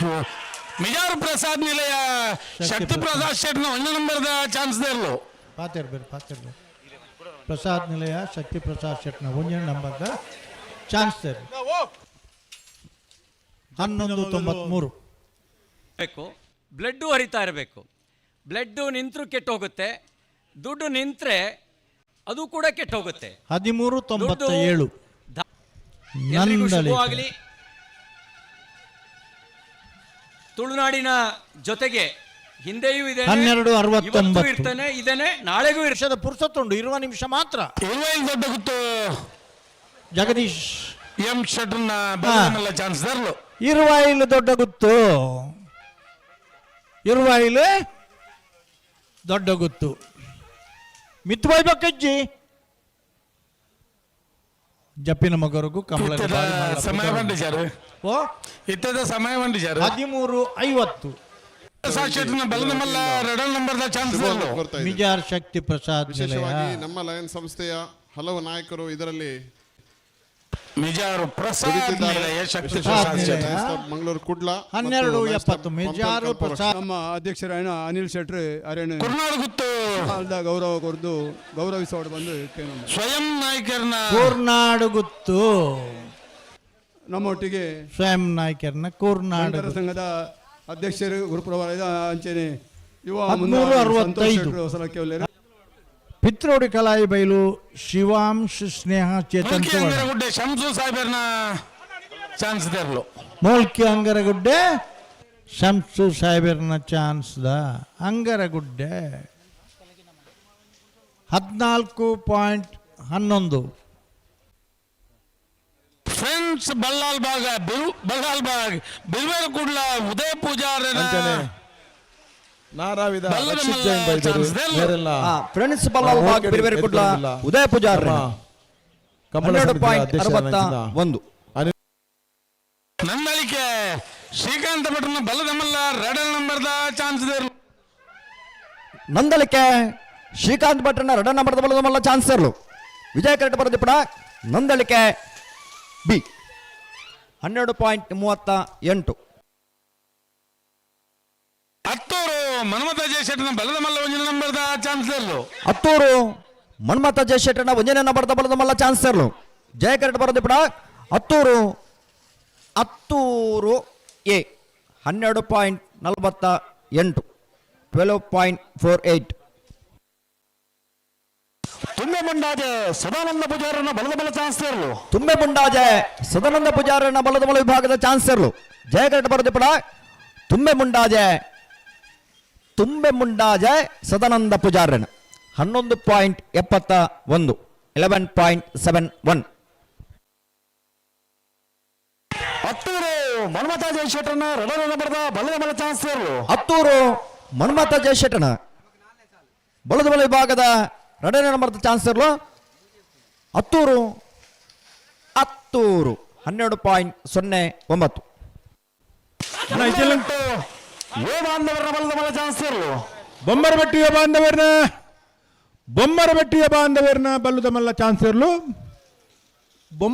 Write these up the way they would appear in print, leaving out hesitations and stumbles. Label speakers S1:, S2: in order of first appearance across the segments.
S1: ಮಿಜಾರು ಪ್ರಸಾದ್ ನಿಲಯ ಶಕ್ತಿ ಪ್ರಸಾದ್ ಶೆಟ್ನ 1 ನಂಬರ್ದ ಚಾನ್ಸ್ ದೇರ್ಲು
S2: ಪಾತಿರ್ಬೇಕು ಪ್ರಸಾದ್ ನಿಲಯ ಶಕ್ತಿ ಪ್ರಸಾದ್ ಶೆಟ್ನ 1 ನಂಬರ್ದ ಚಾನ್ಸ್ ದೇರ್ಲು 1193
S3: ಬೇಕು. ಬ್ಲಡ್ಡು ಹರಿತಾ ಇರಬೇಕು. ಬ್ಲಡ್ಡು ನಿಂತರೂ ಕೆಟ್ಟು ಹೋಗುತ್ತೆ, ದುಡ್ಡು ನಿಂತರೆ ಅದು ಕೂಡ ಕೆಟ್ಟು ಹೋಗುತ್ತೆ.
S2: 1397
S3: ಶುಭವಾಗಲಿ. ತುಳುನಾಡಿನ ಜೊತೆಗೆ ಹಿಂದೆಯೂ ಇದೆ,
S2: 1269
S3: ಇರ್ತಾನೆ, ಇದೇನೆ, ನಾಳೆಗೂ
S2: ವರ್ಷದ ಪುರುಸತ್ತುಂಡು. 20 ನಿಮಿಷ ಮಾತ್ರ.
S1: 25 ದೊಡ್ಡ ಗುತ್ತು
S2: ಜಗದೀಶ್
S1: ಎಂ ಶೆಟ್ನ ಚಾನ್ಸ್ ದೇರ್ಲು.
S2: 20 ದೊಡ್ಡ ಗುತ್ತು, 20 ದೊಡ್ಡ ಗುತ್ತು. ಮಿತ್ಬಾಯ್ ಬಕ್ಕಜ್ಜಿ ಜಪ್ಪಿನ ಮಗರಿಗೂ ಕಮಲ
S1: ಸಮಯ ಬಂದಿದ್ದಾರೆ. ಇತ್ತದ ಸಮಯ ಬಂದಿದ್ದಾರೆ.
S2: 13:50
S1: ಶೆಟ್ನ ಬಲದ ಮಲ್ಲ 2 ನಂಬರ್ದ ಚಾನ್ಸ್ ದೇರ್ಲು.
S2: ಮಿಜಾರ್ ಶಕ್ತಿ ಪ್ರಸಾದ್
S4: ವಿಶೇಷವಾಗಿ ನಮ್ಮ ಲಯನ್ ಸಂಸ್ಥೆಯ ಹಲವು ನಾಯಕರು ಇದರಲ್ಲಿ
S1: ಮಿಜಾರು ಪ್ರಸಾದ್ ನಿಲಯ ಶಕ್ತಿ ಪ್ರಸಾದ್ ಶೆಟ್
S4: ಮಂಗಳೂರು ಕುಡ್ಲ
S2: 12:70 ಮಿಜಾರು ಪ್ರಸಾದ್.
S5: ನಮ್ಮ ಅಧ್ಯಕ್ಷರಾಯಣ ಅನಿಲ್ ಶೆಟ್ಟಿ ಅರೇಣ
S1: ಕುರ್ನಾಡು ಗುತ್ತು
S5: ಗೌರವ ಕೊರ್ದು ಗೌರವಿಸೋಡು ಬಂದು
S1: ಸ್ವಯಂ ನಾಯಕರ್ನ
S2: ಕೂರ್ನಾಡು ಗುತ್ತು.
S5: ನಮ್ಮೊಟ್ಟಿಗೆ
S2: ಸ್ವಯಂ ನಾಯಕರ್ನ ಕೂರ್ನಾಡು
S5: ಸಂಘದ ಅಧ್ಯಕ್ಷರು ಗುರುಪ್ರಭಾರದ ಅಂಚೆನೆ ಯುವ
S2: 1365
S5: ಹೊಸಲಕ್ಕೆ ಒಳ್ಳೆಯ
S2: ಪಿತ್ರೋಡಿ ಕಲಾಯಿ ಬೈಲು ಶಿವಾಂಶ್ ಸ್ನೇಹ ಚೇತನ್
S1: ಅಂಗರಗುಡ್ಡೆ ಶಂಸು ಸಾಹೇಬರ್ನ ಚಾನ್ಸ್ ದೇರ್ಲು.
S2: ಮೋಲ್ಕಿ ಅಂಗರಗುಡ್ಡೆ ಶಂಸು ಸಾಹೇಬರ್ನ ಚಾನ್ಸ್ ದ ಅಂಗರಗುಡ್ಡೆ 14.11
S1: ಫ್ರೆಂಡ್ಸ್ ಬಲ್ಲಾಲ್ ಬಾಗ್ ಬಿಲ್ವೇರ್ ಕುಡ್ಲ ಉದಯ ಪೂಜಾರ
S6: ನಾರಾವಿದ
S7: ಫ್ರೆಂಡ್ಸ್ ಬಲ್ಲಾಲ್ ಬಾಗ್ ಬಿಲ್ವೇರ್ ಕುಡ್ಲ ಉದಯ ಪೂಜಾರ 12.61
S1: ನಂದಳಿಕೆ ಶ್ರೀಕಾಂತ ಭಟ್ರನ ಬಲ್ಲದ ಮಲ್ಲ 2 ನಂಬರ್ದ ಚಾನ್ಸ್ ದೇರ್ಲು.
S7: ನಂದಳಿಕೆ ಶ್ರೀಕಾಂತ್ ಭಟ್ರನ 2 ನಂಬರ್ದ ಬಲದ ಮಲ್ಲ ಚಾನ್ಸ್ ಇರಲು. ವಿಜಯ ಕರೆಕ್ಟ್ ಬರೋದಿಪ್ಪಡ ನಂದಳಿಕೆ ಬಿ 12.38.
S1: ಹತ್ತೂರು ಮನ್ಮಥ ಜಯಶೆಟ್ಟನ ಬಲದ ಮಲ್ಲ 1 ನಂಬರ್ದ ಚಾನ್ಸ್ ದೇರ್ಲು.
S7: ಹತ್ತೂರು ಮನ್ಮಥ ಜಯಶೆಟ್ಟನ 1 ನಂಬರ್ದ ಬಲದ ಮಲ್ಲ ಚಾನ್ಸ್ ಇರಲು. ಜಯ ಕರೆಕ್ಟ್ ಬರೋದಿಪ್ಪಡ ಹತ್ತೂರು ಎ 12.48 12.48.
S1: ತುಂಬೆ ಮುಂಡಾಜೆ ಸದಾನಂದ ಪೂಜಾರನ ಬಲದ ಬಲ ಚಾನ್ಸ್ ಇರಲು.
S7: ತುಂಬೆ ಮುಂಡಾಜೆ ಸದಾನಂದ ಪೂಜಾರನ ಬಲದ ಬಲ ವಿಭಾಗದ ಚಾನ್ಸ್ ಇರಲು. ಜಯ ಕರೆಕ್ಟ್ ಬರೋದಿಪ್ಪಡ ತುಂಬೆ ಮುಂಡಾಜೆ ಸದಾನಂದ ಪೂಜಾರನ 11.71 11.71.
S1: ಹತ್ತೂರು ಮನ್ಮಥ ಜಯಶೆಟ್ಟನ 2 ನಂಬರ್ದ ಬಲದ ಬಲ ಚಾನ್ಸ್ ಇರಲು.
S7: ಹತ್ತೂರು ಮನ್ಮಥ ಜಯಶೆಟ್ಟನ ಬಲದ ಬಲ ವಿಭಾಗದ 2 ನಂಬರ್ದ ಚಾನ್ಸ್ ಇರಲು. ಹತ್ತೂರು 12.09.
S1: ಬಾಂಧವರ ಬಲದ ಬಲ ಚಾನ್ಸ್ ಇರಲು.
S6: ಬೊಮ್ಮರಬೆಟ್ಟಿಯ ಬಾಂಧವರನ ಬಲ್ಲದ ಮಲ್ಲ ಚಾನ್ಸ್ ಇರಲು.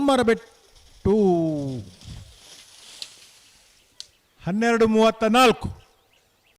S6: ಬೊಮ್ಮರಬೆಟ್ಟು 12:34